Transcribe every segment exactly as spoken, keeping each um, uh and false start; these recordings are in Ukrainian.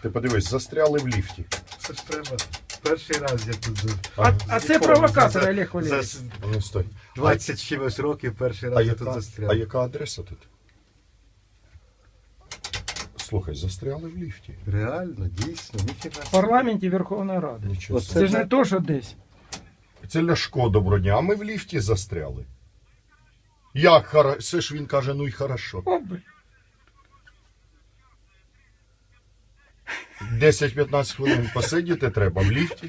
Ти подивись, застряли в ліфті. Це ж треба. Перший раз я тут за, А, а це провокатор, Олег за Валерійович. с- Ну, стой. двадцять чимось років перший А раз я яка, тут а застряв. яка адреса тут? Слухай, застряли в ліфті. Реально, дійсно, ніфіга. В парламенті Верховної Ради. Нічого Оце собі. Це ж не то, що десь. Це Ляшко, доброго дня, а ми в ліфті застряли. Як хорошо? Це ж він каже, ну й хорошо. О, блін. десять-п'ятнадцять хвилин посидіти треба в ліфті.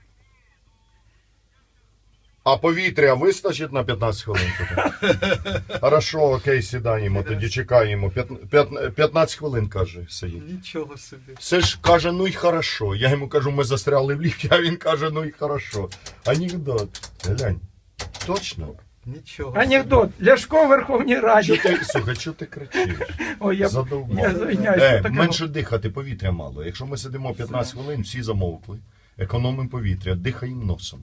А повітря вистачить на п'ятнадцять хвилин? Тоді? Хорошо, окей, сідаємо, тоді чекаємо. П'ят- п'ят- п'ятнадцять хвилин, каже, сидіть. Нічого собі. Це ж каже, ну й хорошо. Я йому кажу, ми застряли в ліфті, а він каже, ну й хорошо. Анекдот. Глянь. Точно? Нічого. Анекдот. Ляшко в Верховній Чо Раді. ти, слухай, чого ти кричиш? Ой, я, Задовбав. я звиняюсь. Е, таке- менше дихати, повітря мало. Якщо ми сидимо п'ятнадцять хвилин, всі замовкли. Економимо повітря, дихаємо носом.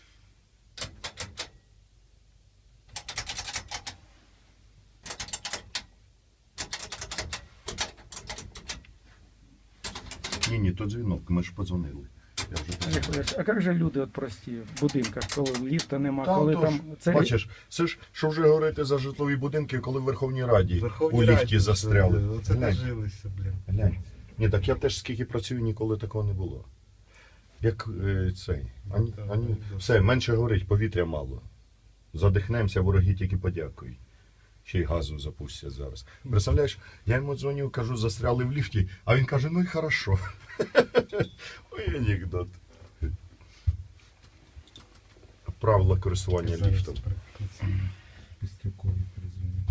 Ні, ні, то дзвінок, ми ж подзвонили. Я вже Олег подзвонив. Валерійович, а як же люди от прості в будинках, коли ліфта нема, Та, коли отож, там... Це... Бачиш, це ж, що вже говорити за житлові будинки, коли в Верховній Раді Верховній у ліфті Раді, застряли. що, Оце Глянь. дожилися, блін. Глянь. Ні, так я теж скільки працюю, ніколи такого не було. Як е, цей. Ані, так, ані, так. все, менше горить, повітря мало. Задихнемося, вороги тільки подякують. Ще й газу запустять зараз. Представляєш, я йому дзвоню, кажу, застряли в ліфті, а він каже, ну і хорошо. Ой, анекдот. Правила користування Зараз ліфтом. прикрутиться. Пістрюкові перезвоню.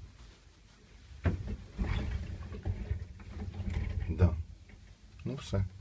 Да. Ну все.